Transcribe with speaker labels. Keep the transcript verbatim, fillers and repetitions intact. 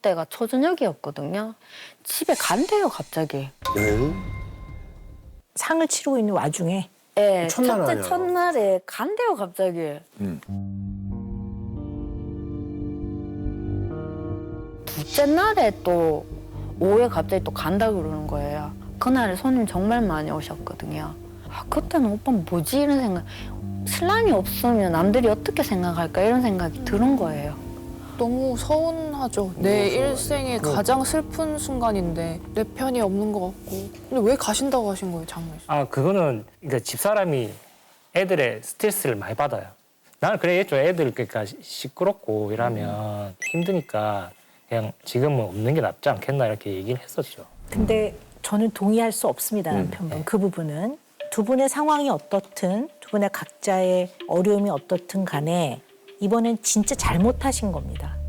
Speaker 1: 그때가 초저녁이었거든요. 집에 간대요, 갑자기.
Speaker 2: 네?
Speaker 3: 상을 치르고 있는 와중에
Speaker 1: 예,
Speaker 2: 첫날
Speaker 1: 첫째
Speaker 2: 아니야.
Speaker 1: 첫날에 간대요, 갑자기.
Speaker 2: 음.
Speaker 1: 둘째 날에 또 오후에 갑자기 또 간다 그러는 거예요. 그날에 손님 정말 많이 오셨거든요. 아, 그때는 오빠 뭐지 이런 생각. 신랑이 없으면 남들이 어떻게 생각할까 이런 생각이 드는 거예요.
Speaker 4: 너무 서운하죠. 내 일생의 가장 슬픈 순간인데 내 편이 없는 것 같고. 근데 왜 가신다고 하신 거예요, 장모님?
Speaker 5: 아 그거는 그러니까 집사람이 애들의 스트레스를 많이 받아요. 나는 그래 좀 애들 그러니까 시끄럽고 이러면 힘드니까 그냥 지금은 없는 게 낫지 않겠나 이렇게 얘기를 했었죠.
Speaker 3: 근데 저는 동의할 수 없습니다, 남편분. 그 부분은. 두 분의 상황이 어떻든 두 분의 각자의 어려움이 어떻든 간에 이번엔 진짜 잘못하신 겁니다.